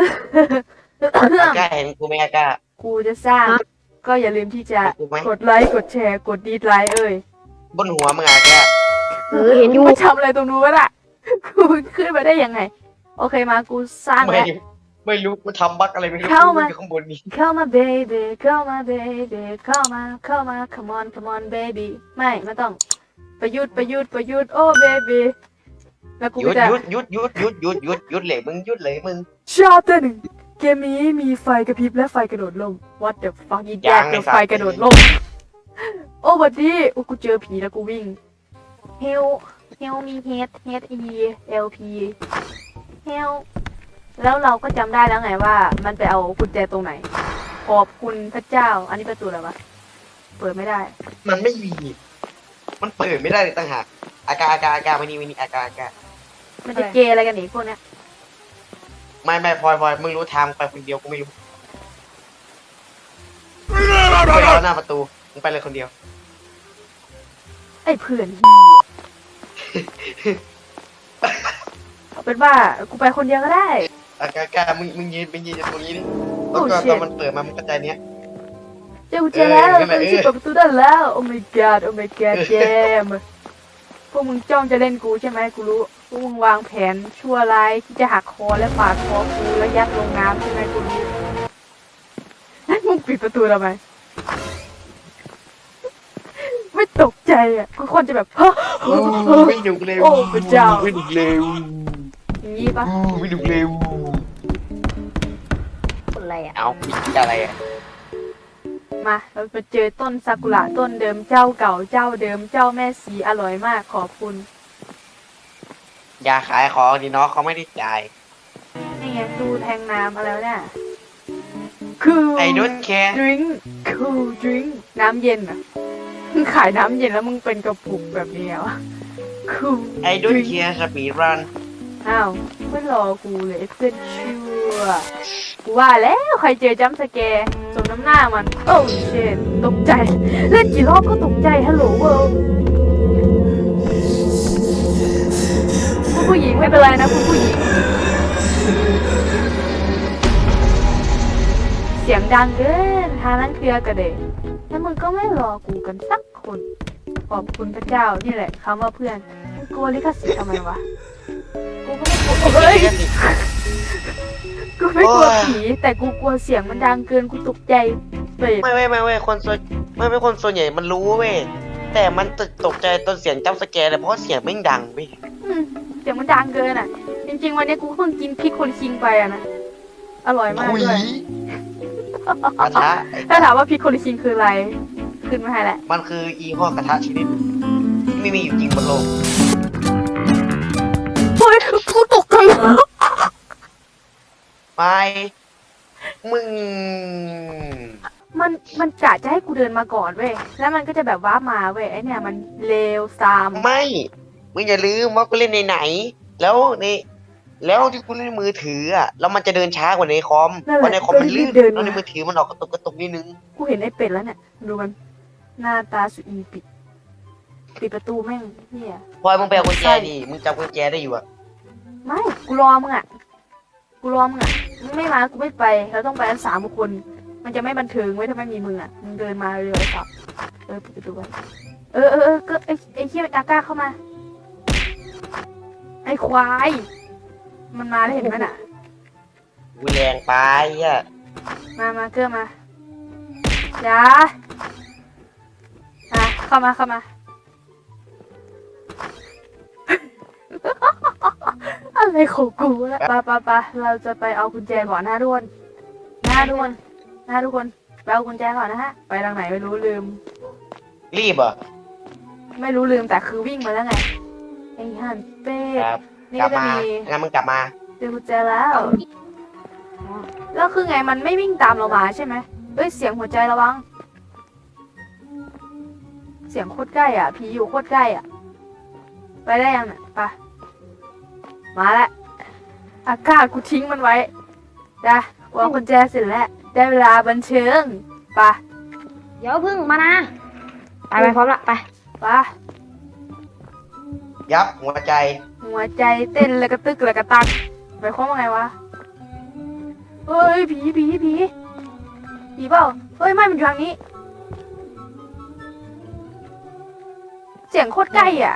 อากาเห็นกูไหมอากากูจะสร้างก็อย่าลืมที่จะเห็นกูไหมกดไลค์กดแชร์กดดีไลค์บนหัวมึงอากาเห็นอยู่มาทำอะไรตรงนู้นอ่ะกูขึ้นมาได้ยังไงโอเคมากูสร้างแล้วไม่รู้กูทำบั๊กอะไรไม่รู้อยู่ข้างบนนี้เข้ามา baby เข้ามา baby เข้ามาcome on come on baby ไม่ต้องประยุทธ์โอ้ baby แล้วกูหยุดจะหยุดเลยมึงหยุดเลยมึงชอบตัวหนึ่งเกมนี้มีไฟกระพริบและไฟกระโดดล่ม what the fuck อีแจ๊กเจอไฟกระโดดล่มโอ้บัดดี้โอ้กูเจอผีแล้วกูวิ่ง help มี h e l p help แล้วเราก็จำได้แล้วไงว่ามันไปเอากุญแจตรงไหนขอบคุณพระเจ้าอันนี้ประตูอะไรวะเปิดไม่ได้มันไม่มีมันเปิดไม่ได้เลยต่างหากอากาไม่นี่อากามันจะเกย์อะไรกันอีกพวกเนี้ยไม่พลอยมึงรู้ทางไปคนเดียวกูไม่รู้ไปรอหน้าประตูมึงไปเลยคนเดียวไอ้เพื่อนเอาเป็นว่ากูไปคนเดียวก็ได้อากามึงยืนตรงนี้ดิแล้วก็ตอนมันเปิดมามันกระจายเนี้ยเจ้ากุญแจแล้วกูจะเปิดประตูได้แล้ว oh my god เจมพวกมึงจ้องจะเล่นกูใช่ไหมกูรู้พวกมึงวางแผนชั่วร้ายที่จะหักคอและปาดคอกูแล้วยัดลงน้ำใช่ไหมกูรู้มึงปิดประตูทำไมไม่ตกใจอ่ะกูคนจะแบบเฮ้อไม่ดุเร็วโอ้พระเจ้าไม่ดุเร็วอย่างนี้ปะไม่ดุเร็วอะไรอ่ะเอาอะไรอ่ะมาเราไปเจอต้นซากุระต้นเดิมเจ้าเก่าเจ้าเดิมเจ้าแม่สีอร่อยมากขอบคุณอย่าขายของดิน้องเขาไม่ได้จ่ายนี่ไงดูแทงน้ำอะไรเนี่ยคือ I don't care drink cool drink น้ำเย็นอ่ะมึงขายน้ำเย็นแล้วมึงเป็นกระปุกแบบนี้วะ cool I don't care สปีดรันอ้าวไม่รอกูเลยเพื่อนชั่วกูว่าแล้วใครเจอจัมป์สแกร์สมน้ำหน้ามันโอ้เชนตกใจเล่นกี่รอบก็ตกใจฮัลโหลเวิลด์ผู้หญิงไม่เป็นไรนะผู้หญิงเสียงดังเกินทานั้นเคลียร์กันเดยแล้วมึงก็ไม่รอกูกันสักคนขอบคุณพระเจ้านี่แหละคำว่าเพื่อนมึงกลัวลิขสิทธิ์ทำไมวะกูก็ไม่กลัวเฮ้ยกูไม่กลัวผีแต่กูกลัวเสียงมันดังเกินกูตกใจเปรตไม่คนส่วนไม่คนส่วนใหญ่มันรู้เว้ยแต่มันตกใจตอนเสียงจัมป์สแกร์เลยเพราะเสียงไม่ดังเว้ยเสียงมันดังเกินอ่ะจริงๆวันนี้กูเพิ่งกินพริกคนคิงไปอ่ะนะอร่อยมากด้วยกระทะถ้าถามว่าพริกคนคิงคืออะไรขึ้นมาให้แหละมันคืออีห้อกระทะชนิดที่ไม่มีอยู่จริงบนโลกเฮ้ยกูตกใจไม่มึงมันกะจะให้กูเดินมาก่อนเว้ยแล้วมันก็จะแบบว้ามาเว้ยไอเนี่ยมันเลวซามไม่มึงอย่าลืมว่ากูเล่นในไหนแล้วแล้วที่กูเล่นมือถืออ่ะแล้วมันจะเดินช้ากว่าในคอมเพราะในคอมมันลื่นแล้วในมือถือมันออกกระตุกนิดนึงกูเห็นไอ้เป็ดแล้วเนี่ยดูมันหน้าตาสุดอีปิดประตูแม่งเนี่ยพลอยมึงไปเอากุญแจดิมึงจับกุญแจได้อยู่อ่ะไม่กูรอมึงอ่ะมึงไม่มากูไม่ไปเราต้องไปกัน3 คนมันจะไม่บันเทิงไว้ถ้าไม่มีมึงอ่ะมึงเดินมาเร็วๆครับปิดประตูไว้ก็ไอ้เหี้ยอาก้าเข้ามาไอ้ควายมันมาได้เห็นไหมน่ะกูแรงไปอ่ะมาเกลือมาจ้าเข้ามาอะไรของกูแล้วปะเราจะไปเอากุญแจก่อนนะทุกคนทุกคนไปเอากุญแจก่อนนะฮะไปทางไหนไม่รู้ลืมรีบอ่ะไม่รู้ลืมแต่คือวิ่งมาแล้วไงไอ้ฮันเป้นี่ก็จะมีงั้นมึงกลับมาเจอกุญแจแล้วคือไงมันไม่วิ่งตามเรามาใช่ไหมเสียงหัวใจระวังเสียงโคตรใกล้อ่ะผีอยู่โคตรใกล้อ่ะไปได้ยังเนี่ยไปมาแล้วอากาศกูทิ้งมันไว้จ้ะวางกุญแจเสร็จแล้วได้เวลาบันเทิงไปเดี๋ยวพึ่งมานะไปพร้อมละไปยับหัวใจเต้นแล้วก็ตึกแล้วก็ตักไปคว้าว่าไงวะเฮ้ยผีเปล่าเฮ้ยไม่มันอยู่ทางนี้ เสียงโคตรใกล้อ่ะ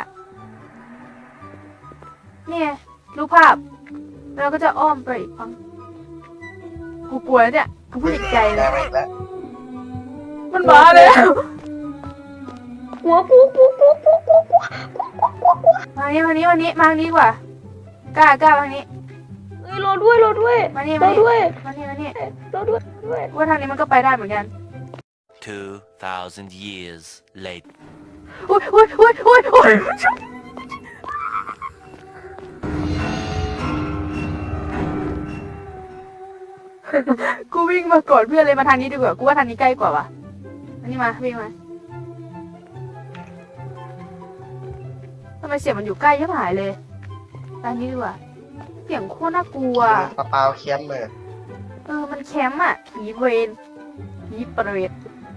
เนี่ยรูปภาพแล้วก็จะอ้อมไปอีกฝั่งกูกลัวเนี่ยกูพูดอีกใจเลได้ยไหมอีกแล้วมันมาแล้วหัวปูมานี้มาทางนี้ดีกว่ากล้าทางนี้เฮ้ยรอด้วยมานี่รอด้วยมานี่รอด้วยว่าทางนี้มันก็ไปได้เหมือนกัน 2,000 years later. อุ้ยกูวิ่งมาก่อนเพื่อนเลยมาทางนี้ดีกว่ากูว่าทางนี้ใกล้กว่าว่ะอันนี้มาวิ่งมาทำไมเสียงมันอยู่ใกล้ยับหายเลยทางนี้ดีกว่าเสียงโคตรน่ากลัวปลาเปล่าเคี้ยมเลยมันแคมป์อ่ะผีเวรผีเปรต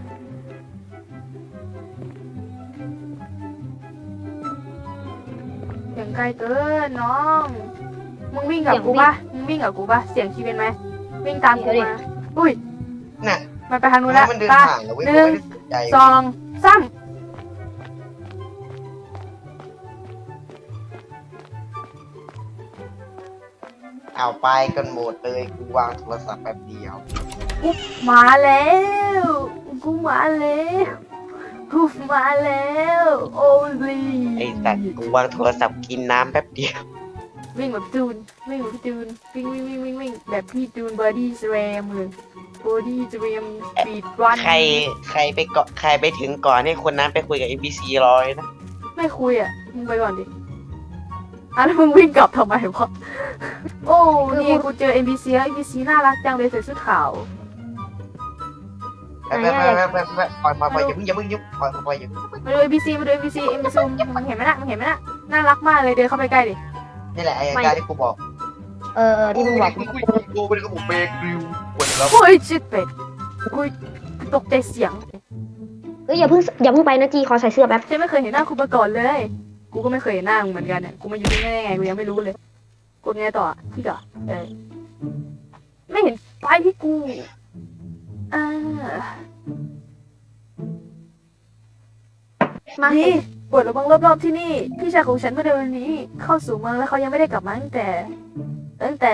เสียงไกลเกินน้องมึงวิ่งกับกูปะเสียงคีเป็นไหมวิ่งตามกูมาอุ้ยน่ะมันไปทางนู้นแล้วมันเดินตาห่างเลยเว้ยหนึ่งไม่ได้สนใจสองสามเอาไปกันหมดเลยกูวางโทรศัพท์แป๊บเดียวมาแล้วกูมาแล้วโอ้ยไอ้สัตว์กูวางโทรศัพท์กินน้ำแป๊บเดียววิ่งแบบจูนวิ่งแบบพี่จูนบอดี้สแรมเลยบอดี้สแรมสปีดรันใครไปเกาะใครไปถึงก่อนให้คนนั้นไปคุยกับ NPC รอเลยนะไม่คุยอ่ะมึงไปก่อนดิแล้วมึงวิ่งกลับทำไมวะโอ้นี่กูเจอ NPC แล้ว NPC น่ารักจังเลยใส่เสื้อขาวไปปล่อยอย่าเพิ่งยุบปล่อยอย่าเพิ่งมาดู NPC มึงเห็นไหมน่ะน่ารักมากเลยเดินเข้าไปใกล้ดินี่แหละไอ้การที่กูบอกที่มึงบอกกูเป็นกระบุกเบรกริวปวดแล้วโอ้ยชิดเป็ดกูตกใจเสียงเฮ้ยอย่าเพิ่งไปนะจีขอใส่เสื้อแป๊บฉันไม่เคยเห็นหน้าคุณมาก่อนเลย กูก็ไม่เคยเห็นหน้ามึงเหมือนกันเนี่ย กูมาอยู่ที่นี่ได้ไง กูยังไม่รู้เลย กดไงต่อที่ก่อไม่เห็นป้ายที่กูมานี่ปวดระวังรอบๆที่นี่ พี่ชายของฉันเมื่อเดือนนี้ เข้าสู่เมืองแล้วเขายังไม่ได้กลับมาตั้งแต่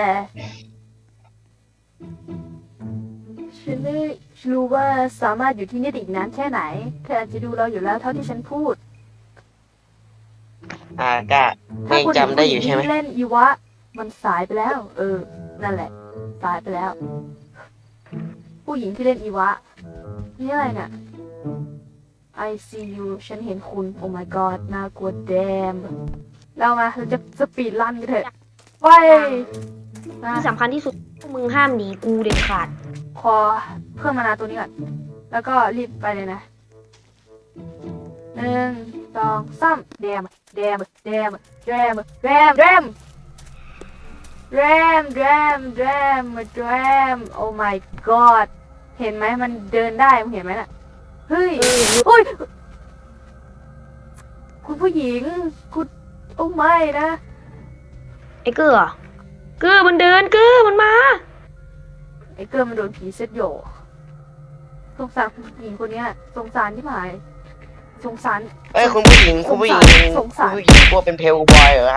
ฉันไม่รู้ว่าสามารถอยู่ที่นี่ได้อีกนานแค่ไหนเธออาจจะดูเราอยู่แล้วเท่าที่ฉันพูดก็ไม่จำได้อยู่ใช่ไหมถ้าคุณเล่นอีวะ มันสายไปแล้ว นั่นแหละ สายไปแล้ว ผู้หญิงที่เล่นอีวะ นี่อะไรเนี่ย I see you ฉันเห็นคุณ Oh my god น่ากลัวแดมเราจะสปีดรันกันเถอะไปมาที่สำคัญที่สุดพวกมึงห้ามหนีกูเด็ดขาดขอเพิ่มมานาตัวนี้ก่อน แล้วก็รีบไปเลยนะ1 2 3แดมโอ้ my god เห็นไหมมันเดินได้มึงเห็นไหมน่ะ เฮ้ยอุ้ย คุณผู้หญิง คุณโอ้ไม่นะไอ้เกอมันเดินมันมาไอ้เกิร์มันโดนผีเซตโยสงสารผู้หญิงคนเนี้ยสงสารที่หมายสงสารคุณผู้หญิงกลัวเป็นเพลบอยเหรอ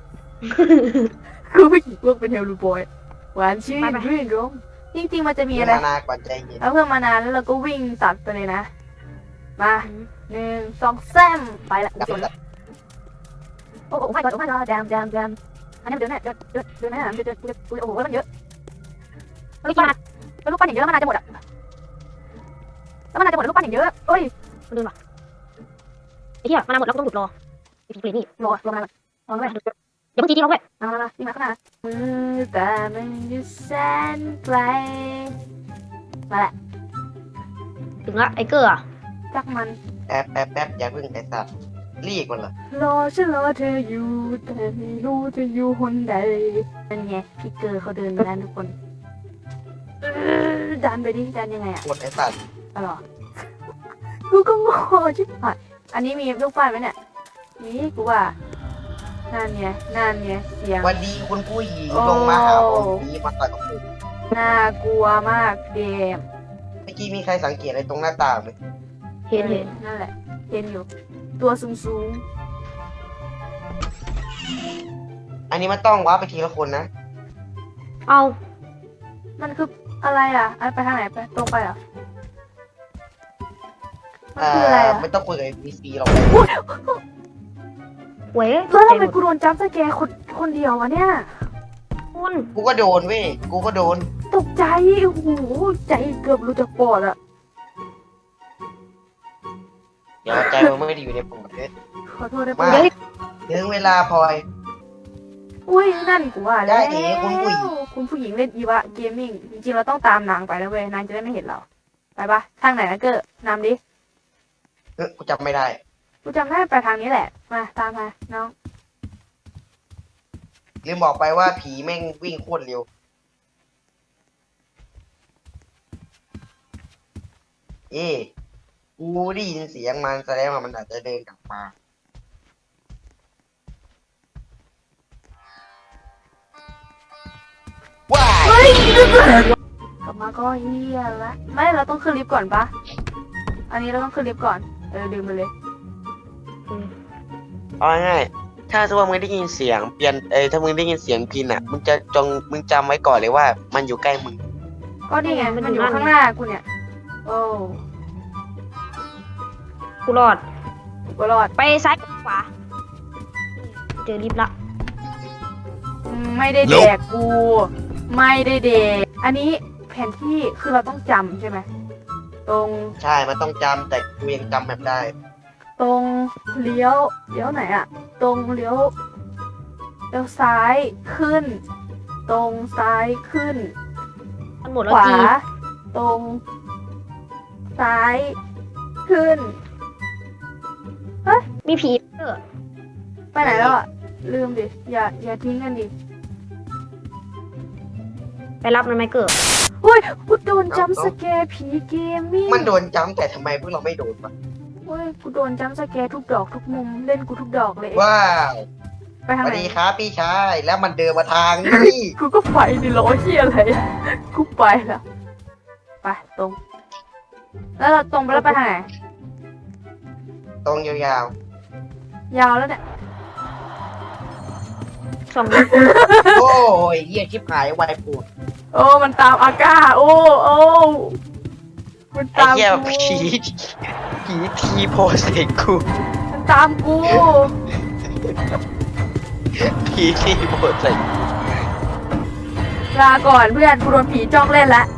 คือผู้หญิงพวกเป็นเฮลลูบอยหวานชื่นรื่นรมจริงๆมันจะมีอะไรมานากว่าใจเย็นเอาเพิ่มมานานแล้วเราก็วิ่งตัดไปเลยนะ มา1 2 3ไปละโอ้ไม่ก็แดมอันนี้มันเดินไหนเดินไหนมันจะโอ้โหมันเยอะลูกปั้นอย่างเยอะมันน่าจะหมดอ่ะแล้วมันน่าจะหมดลูกปั้นอย่างเยอะเอ้ยมันเดินว่ะไอ้เหี้ยมันหมดแล้วก็ต้องหยุดรอไอ้ผีเปรตนี่รอมานานรอด้วยอย่าเพิ่งจีร้องด้วยมานี่มาข้างหน้าแต่มันอยู่แสนไกลมาละถึงละไอ้เกอจักมันแป๊บอย่าเพิ่งไอ้สัตว์รีบมันเหรอฉันรอเธออยู่แต่ไม่รู้เธออยู่คนใดนั่นไงพี่เกอร์เขาเดินมาแล้วทุกคนดันไปดิดันยังไงอ่ะหมดไอ้สัตว์อะไรกูก็งงชิบหายอันนี้มีลูกปั้นไหมเนี่ยนี่กูว่านั่นไงเสียงวันดีคุณผู้หญิงลงมาหาผมนี้มาต่อยกับผมน่ากลัวมากเกมเมื่อกี้มีใครสังเกตอะไรตรงหน้าต่างไหมเห็นนั่นแหละเห็นอยู่ ตัวสูงอันนี้มันต้องว้าร์ปไปทีละคนนะเอาๆมันคืออะไรอ่ะอันไปทางไหนไปตรงไปเหรอมันคืออะไรอ่ะไม่ต้องคุยกับ NPC หรอกเว้ยแล้วทำไมกูโดนจับสแกร์คนเดียววะเนี่ยคุณกูก็โดนเว้ยกูก็โดนตกใจโอ้โหใจเกือบหลุดจากปอดอ่ะเดี๋ยวใจมันไม่ได้อยู่ในปุ่มเพชรขอโทษได้มาปะถึงเวลาพลอยอุ้ยนั่นกูว่าแล้วได้เอ๋คุณผู้หญิงคุณผู้หญิงเล่นอีวะเกมมิ่งจริงๆเราต้องตามนางไปนะเว้ยนางจะได้ไม่เห็นเราไปปะทางไหนนะเกอร์นำดิกูจำไม่ได้กูจำได้ไปทางนี้แหละมาตามมาน้องลืมบอกไปว่าผีแม่งวิ่งโคตรเร็ว กูได้ยินเสียงมันแสดงว่ามันอาจจะเดินกลับมาว้ายกลับมาก็เฮียละไม่เราต้องขึ้นลิฟต์ก่อนปะอันนี้เราต้องขึ้นลิฟต์ก่อนลืมไปเลยเอาง่ายๆถ้าสมมติว่ามึงได้ยินเสียงเปลี่ยนถ้ามึงได้ยินเสียงพินอ่ะมึงจำไว้ก่อนเลยว่ามันอยู่ใกล้มึงก็นี่ไงมันอยู่ข้างหน้ากูเนี่ยโอ้กูรอดกูรอดไปซ้ายขวา เจอลิฟต์ละไม่ได้แดกกูไม่ได้แดกอันนี้แผนที่คือเราต้องจำใช่ไหมตรงใช่ มันต้องจำแต่กูยังจำแบบได้ตรงเลี้ยวไหนอะตรงเลี้ยวซ้ายขึ้น ตรงซ้ายขึ้นมันหมดขแล้ววาจีตรงซ้ายขึ้นมีผีเออไปไหนแล้วอะลืมดิอย่าทิ้งกันดิไปรับมันไหมเกิดเฮ้ยกูโดนจัมป์สแกร์ผีเกมมิ่งมันโดนจำแต่ทำไมพวกเราไม่โดนวะเฮ้ยกูโดนจัมป์สแกร์ทุกดอกทุกมุมเล่นกูทุกดอกเลยว้าวไปสทางวัสไหนดีครับพี่ชายแล้วมันเดินมาทางนี้กูก็ไปดิล้อเหี้ยอะไรอะกูไปแล้วไปตรง แล้วเราตรงไปแล้วไปทางไหนตรงยาวยาวแล้วเนี่ยสองลิฟต์ๆ โอ้ยเหี้ยชิบหายไวปูดโอ้มันตามอาก้าโอ้มันไอ้ตามเหี้ยกูผีทีโพสเอกกูมันตามกูผีทีโพสเอกลาก่อนเพื่อนกูโดนผีจ้องเล่นละ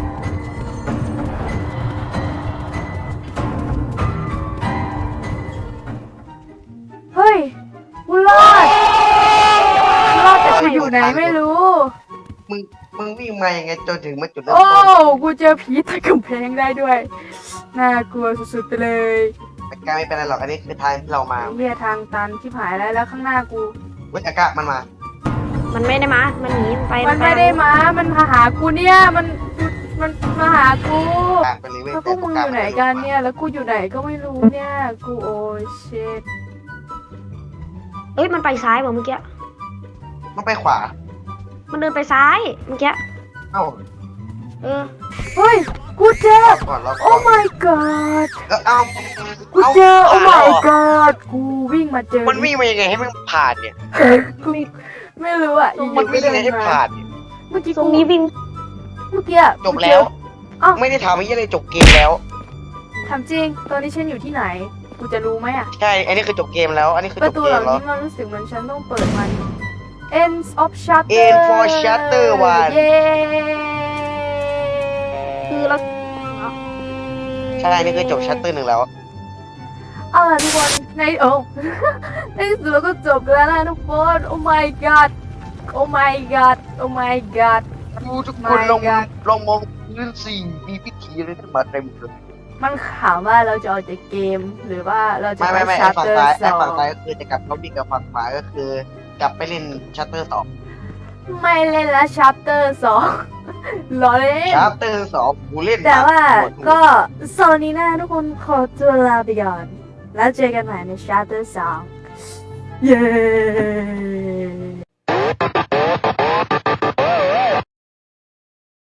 เฮ้ยกูรอดแต่กูอยู่ไหนไม่รู้มึงวิ่งมายังไงจนถึงมาจุดเริ่มโอ้ต้นกูเจอผีใต้กำแพงได้ด้วย น่ากลัวสุดๆไปเลยแต่กาไม่เป็นไรหรอกอันนี้คือทางที่เรามาเฮียทางตันที่หายแล้วข้างหน้ากูเว้ยอากาศมันมามันไม่ได้มา มันหนีมันไปมันไม่ได้มา มันมาหากูเนี่ย มันมาหากูอ่ะไปเลยเว้ยแล้วพวกมึงอยู่ไหนกันเนี่ย แล้วกูอยู่ไหนก็ไม่รู้เนี่ย กูโอ้เชิตเอ้ย มันไปซ้ายว่ะเมื่อกี้มันไปขวามันเดินไปซ้ายเมื่อกี้เอ้าเออเฮ้ย กูเจอรอก่อนรอโอ้ก่อน my god เอ้ากูเจอ โอ้ my god กูวิ่งมาเจอมันวิ่งมายังไงให้มันผ่านเนี่ยกูไม่รู้อ่ะอยู่ๆมันวิ่งก็ยังไงให้เดินมาผ่านเนี่ยเมื่อกี้ตรงกูนี้วิ่งเมื่อกี้อะจบแล้วอ้าวไม่ได้ทำไอ้ยี่อะไรจบเกมแล้วถามจริง ตอนนี้ฉันอยู่ที่ไหน กูจะรู้ไหมอ่ะใช่ อันนี้คือจบเกมแล้ว อันนี้คือปจระบตูเกเหมล่าแล้วนี้มันรู้สึกเหมือนฉันต้องเปิดมัน Ends of Shutter End for Shutter 1 เย้คือเราใช่ นี่คือจบชัตเตอร์หนึ่งแล้วเอาล่ะทุกคนในในที่สุดเราก็จบแล้วนะทุกคน Oh my god Oh my god Oh my god ดูทุกคนลอง My God ลองมองพื้นสิ่งมีพิธีอะไรขึ้นมาเต็มเลยมันถามว่าเราจะออกจากเกม หรือว่าเราจะไม่ไปไอ้ชัตฝั่งเตอซ้ายร์สไอ้อฝั่งงซ้ายก็คือจะกลับล็อบบี้กับฝั่งขวาก็คือ กลับไปเล่นชัตเตอร์สองไม่เล่นแล้วชัปเตอร์สองรอเล่นชัตเตอร์สองกูเล่นแต่ว่าหมดก็โซนนี้นะทุกคนขอตัวลาไปก่อน แล้วเจอกันใหม่ในชัปเตอร์สองเย้